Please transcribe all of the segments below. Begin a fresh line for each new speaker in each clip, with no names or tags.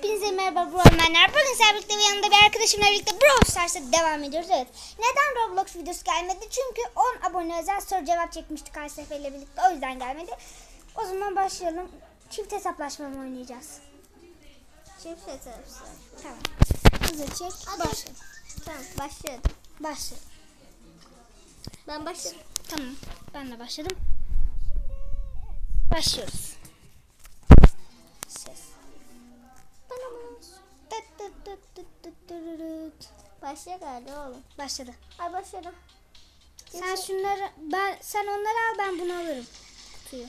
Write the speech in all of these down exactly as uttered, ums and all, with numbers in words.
Hepinize merhaba Bromanlar. Bugün sizlerle birlikte ve yanında bir arkadaşımla birlikte Brawl Stars'a devam ediyoruz. Evet. Neden Roblox videosu gelmedi? Çünkü on abone özel soru cevap çekmiştik her seferle birlikte. O yüzden gelmedi. O zaman başlayalım. Çift hesaplaşma mı oynayacağız?
Çift hesaplaşma.
Tamam. Hızlı çek.
Hadi.
Başlayalım.
Tamam, başladım.
Başlayalım.
Ben başladım.
Tamam. Ben de başladım. Başlıyoruz. Ses.
Başla galiba oğlum.
Başladı.
Ay başladım.
Sen şunları ben sen onları al, ben bunu alırım. Kutuyu.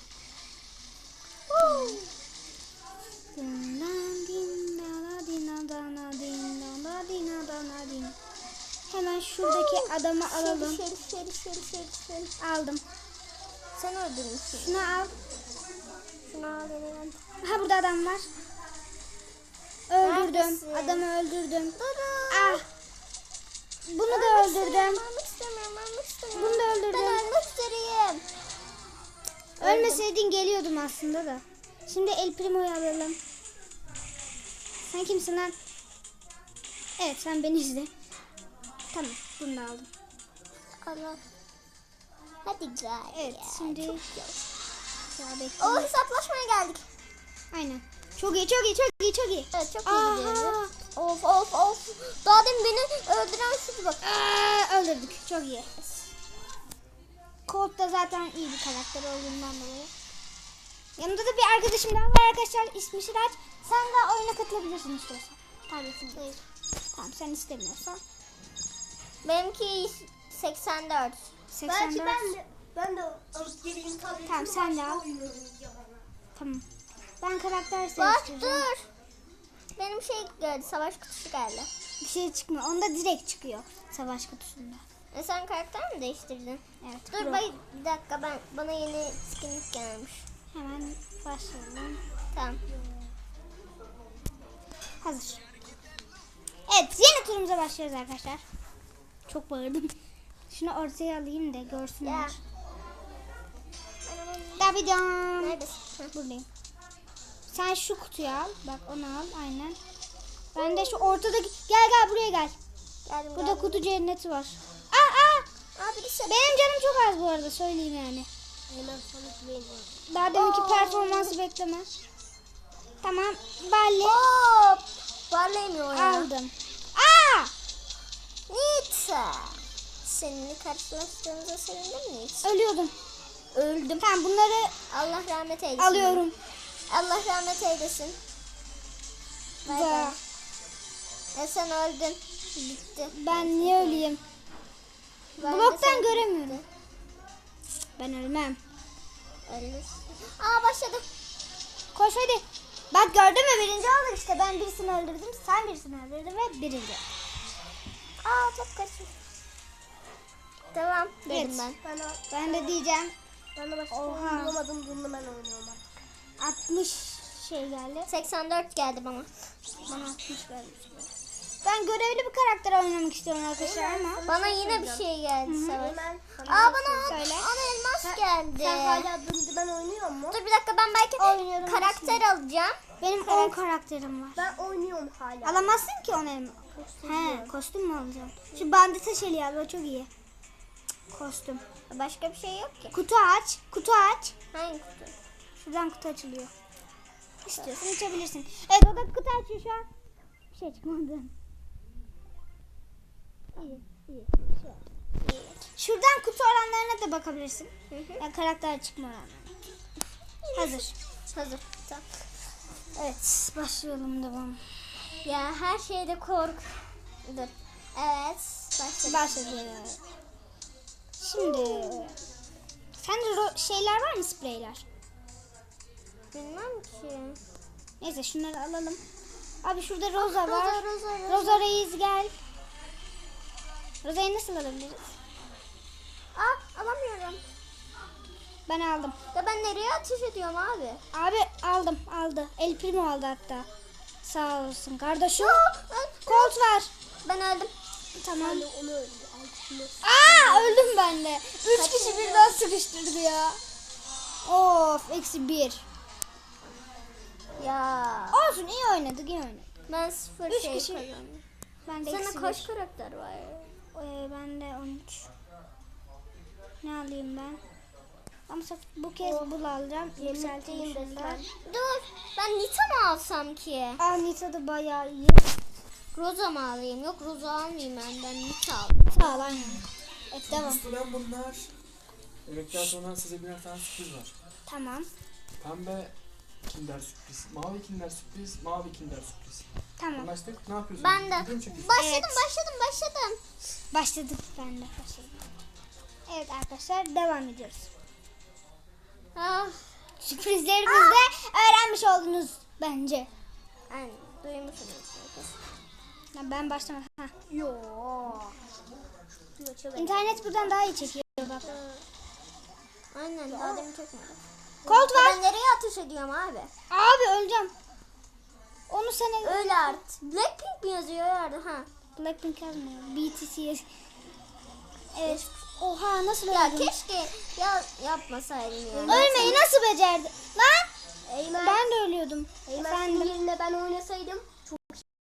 Hemen şuradaki adamı alalım.
Şeri şeri şeri şeri şeri.
Aldım.
Sen öldürmüşsün.
Şunu al.
Şunu al benim.
Ha, burada adam var. Öldürdüm.
Neredesin?
Adamı öldürdüm.
Durun.
Ah. Bunu da öldürdüm.
Ölmek istemiyorum, ölmek istemiyorum.
Bunu da öldürdüm.
Ben ölmek üzereyim.
Ölmeseydin geliyordum aslında da. Şimdi El Primo'yu alalım. Sen kimsin lan? Evet, sen beni izle. Tamam, bunu da aldım.
Allah. Hadi gel.
Evet,
ya.
şimdi
Çok güzel.
ya bekle.
O hesaplaşmaya geldik.
Aynen. Çok iyi, çok iyi, çok iyi, çok iyi.
Evet, çok iyi
Aha.
gidiyoruz. Of of of. Daha demin beni öldüren şuydu bak.
Aa, öldürdük. Çok iyi. Colt da zaten iyi bir karakter olduğundan dolayı. Yanımda da bir arkadaşım daha var arkadaşlar. İsmi Şiraç. Sen de oyuna katılabilirsin istiyorsan. Tabletin değil. Tamam, sen istemiyorsan.
Benimki seksen dört.
seksen dört.
Belki ben de ben de alıp geleyim tabii.
Tamam, sen de al. Tamam. Ben karakter
Bak
seçtireceğim.
dur. Benim şey geldi, savaş kutusu geldi.
Bir şey çıkmıyor. Onda direkt çıkıyor. Savaş kutusunda.
E sen karakter mi değiştirdin?
Evet.
Dur
Pro.
bay, bir dakika, ben bana yeni skinlik gelmiş.
Hemen başlayalım.
Tamam.
Hazır. Evet, yeni turumuza başlıyoruz arkadaşlar. Çok bağırdım. Şunu ortaya alayım da görsünler.
Ya.
Davidon.
Neredesin? Heh.
Buradayım. Sen şu kutuyu al. Bak, onu al. Aynen. Ben de şu ortadaki... Gel gel buraya gel.
Geldim,
Burada
geldim.
kutu cenneti var. Aa aa.
Aa, birisi.
Benim canım çok az bu arada, söyleyeyim yani.
Hemen sana güveniyorum.
Daha deminki
Oo.
performansı bekleme. Tamam. Balli.
Hop. Parlayamıyor ya.
Aldım. Aa!
Nita. Seninle karşılaştığımıza sevindim mi hiç?
Ölüyordum.
Öldüm.
Tamam, bunları
Allah rahmet eylesin.
alıyorum.
Allah rahmet eylesin. Bay bay.
Da.
E sen öldün. Bitti.
Ben niye öleyim?
Ben de
Bloktan
sen-
göremiyorum. Ben ölmem.
Ölürsün. Aa, başladım.
Koş hadi. Bak, gördün mü, birinci olduk işte. Ben birisini öldürdüm, sen birisini öldürdün ve birinci.
Aa, çok kaçmış. Tamam dedim
Evet.
ben.
Ben de,
Ben de diyeceğim
ben de başka
Oha.
oyun bulamadım. Bunu ben oynuyorum artık.
altmış şey geldi.
seksen dört geldi bana.
Bana altmış gelmiş. Ben görevli bir karakter oynamak istiyorum arkadaşlar ama.
Bana yine bir şey geldi Savaş.
Hemen
Aa, bana
Söyle.
ana elmas geldi.
Sen hala dımdı ben oynuyor mu?
Dur bir dakika, ben belki
Oynuyorum.
karakter alacağım.
Benim on karakterim var.
Ben oynuyorum hala.
Alamazsın ki on elma. He, kostüm mü alacaksın? Şu bandita şeli al, o çok iyi. Kostüm.
Başka bir şey yok ki.
Kutu aç. Kutu aç.
Hangi kutu?
Şuradan kutu açılıyor. İstiyorsan içebilirsin. Evet, o da kutu açıyor şu an. Bir şey çıkmadı. İyi, iyi. Şey. Şuradan kutu oranlarına da bakabilirsin.
Hı hı.
Yani karakter çıkma oranlarına. Hazır.
Hazır. Tamam.
Evet, başlayalım devam.
Ya her şeyde kork. Dur. Evet. Başladım.
Başladı. Şimdi sende ro- şeyler var mı, spreyler?
Bilmem ki.
Neyse, şunları alalım. Abi şurada Rosa var.
Rosa, Rosa, Rosa.
Rosa Reis gel. Rosa'yı nasıl alabiliriz?
Aa, alamıyorum.
Ben aldım.
Ya ben nereye ateş ediyorum abi?
Abi aldım, aldı. El Primo aldı hatta. Sağ olsun kardeşim.
Aa, ben,
Colt var.
ben öldüm.
Tamam.
Ben de onu öldü. Altını.
Aa, öldüm ben de. Üç
Kaç
kişi
oldu?
birden sıkıştırdı ya. Of, eksi bir.
Ya.
Olsun, iyi oynadık, iyi oynadık.
Ben sıfır
Üç
şey
kişi-
kazandım.
Ben de
Sana
eksi
kaç
bir.
karakter var?
Ee, ben de on üç. Ne alayım ben? Ama sırf bu kez bul alacağım. Yükselteyim
Yemekteyim
şundan.
resmen.
Dur. Ben Nita mı alsam ki?
Aa, Nita da bayağı iyi.
Rosa mı alayım? Yok Rosa almayayım ben. Ben Nita alayım.
Sağ ol, aynen. Evet, devam.
Ulan bunlar. Yemekten sonra size birer tane sürpriz var.
Tamam.
Pembe Kinder sürpriz, mavi Kinder sürpriz, mavi Kinder sürpriz.
Tamam.
Anlaştık. Ne yapıyorsun?
Ben de.
Video mu çekiyorsun?
Başladım
Evet.
başladım başladım.
Başladık, ben de başladım. Evet arkadaşlar, devam ediyoruz.
Ah.
Sürprizlerimizi de öğrenmiş oldunuz bence.
Aynen. Duymuşsunuz.
Ya ben başlamadım. Ha.
Yo. Yo, çok
İnternet buradan daha iyi çekiyor bak.
Aynen. Daha demin çekmedim.
Colt var.
Ben nereye ateş ediyorum abi?
Abi öleceğim. Onu sana
Öyle art. Blackpink mi yazıyor yerde? Ha.
Blackpink yazmıyor. B T C yaz- Evet. Oha, nasıl
Ya
öldüm?
keşke ya yapmasaydım ya.
Ölmeyi nasıl becerdi? Lan!
Eymen.
Ben de ölüyordum.
Eymen senin
Efendim.
yerine ben oynasaydım çok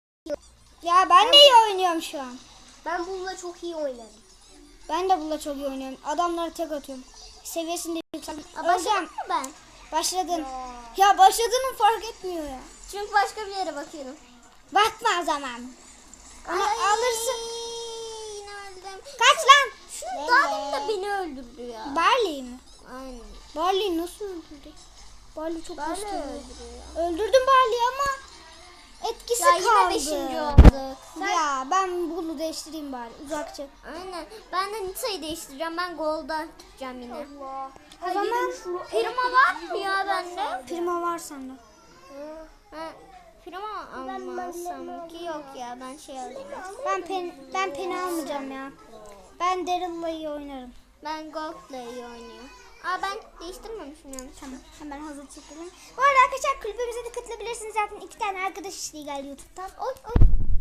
Ya ben de iyi oynuyorum şu an.
ben bununla çok iyi oynarım.
Ben de bununla çok iyi oynuyorum. Adamlara tek atıyorum. Seviyesini de yükseldim.
Aa, başladım
Öleceğim.
mı ben?
Başladın. Ya başladığını fark etmiyor ya.
Çünkü başka bir yere bakıyorum.
Bakma o zaman. Onu
Ay,
alırsın.
Yine öldüm.
Kaç lan.
Şu daha demin de beni öldürdü ya.
Barley mi?
Aynen.
Barley nasıl öldürdü? Barley çok
Böyle
güçlü.
öldürüyor.
Öldürdüm Barley'i ama etkisi
Ya yine
kaldı.
beşinci olduk.
Ya ben bunu değiştireyim bari, uzakça.
Aynen. Ben de Nita'yı değiştireceğim. Ben Gold'a gideceğim yine.
Allah.
O zaman
Prima var mı ya bende?
Prima var sende.
Ha, Prima almasam ki yok ya. Ben şey alayım.
Ben pen ben peni almayacağım ya. Ben Daryl'la iyi oynarım.
Ben Gold'la iyi oynuyorum. Aa ben değiştirmemişim yanlış.
Tamam, hemen hazır çekelim. Bu arada arkadaşlar, kulübümüze de katılabilirsiniz. Zaten iki tane arkadaş isteği geldi YouTube'dan. Oy oy.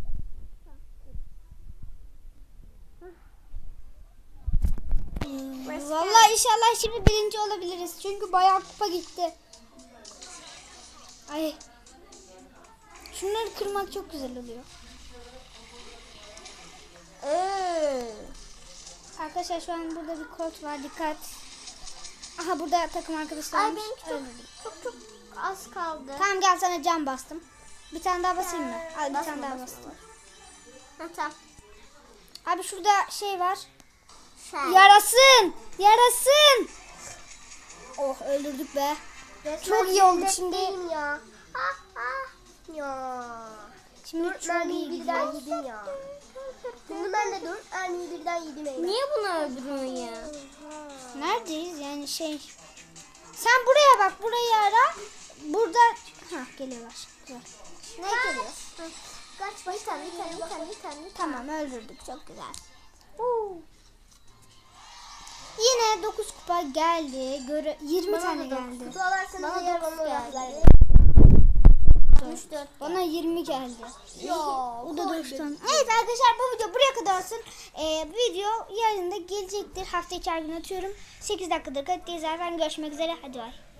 Hmm, Vallahi inşallah şimdi birinci olabiliriz. Çünkü bayağı kupa gitti. Ay. Şunları kırmak çok güzel oluyor.
Ee.
Arkadaşlar şu an burada bir kod var, dikkat. Aha, burada takım arkadaşlarımız.
Ay benimki çok,
Öldürdüm.
çok çok az kaldı.
Tamam, gel sana cam bastım. Bir tane daha basayım mı? Al, bir
Basma,
tane daha
basma,
bastım.
Ha tamam.
Abi şurada şey var.
Sen.
Yarasın! Yarasın! Oh, öldürdük be. Çok iyi oldu şimdi.
Benim ya. Ah ah. Ya.
Şimdi
Dört
çok
mermiyi
iyi
birden
gidiyor.
yedim ya. Bunu ben de dört mermiyi birden yedim Eymen.
Niye bunu öldürüyorsun ya?
Neredeyiz yani şey. Sen buraya bak, burayı ara. Burada ha geliyorlar. Güzel.
Ne geliyor? Ha. Kaç bir tane bir tane bir tane bir tane.
Tamam, öldürdük. Çok güzel. Huu. Yine dokuz kupa geldi. Göre yirmi tane geldi.
Kutu alarsanız
Bana
eğer
dokuz
bana
geldi.
yazar.
üç dört.
Bana yirmi geldi.
Ya.
O da doksan. Evet arkadaşlar, bu video buraya kadar olsun. Ee, video yarın da gelecektir. Hafta içi her gün atıyorum. sekiz dakikadır kayıttayız zaten. Görüşmek üzere. Hadi bay.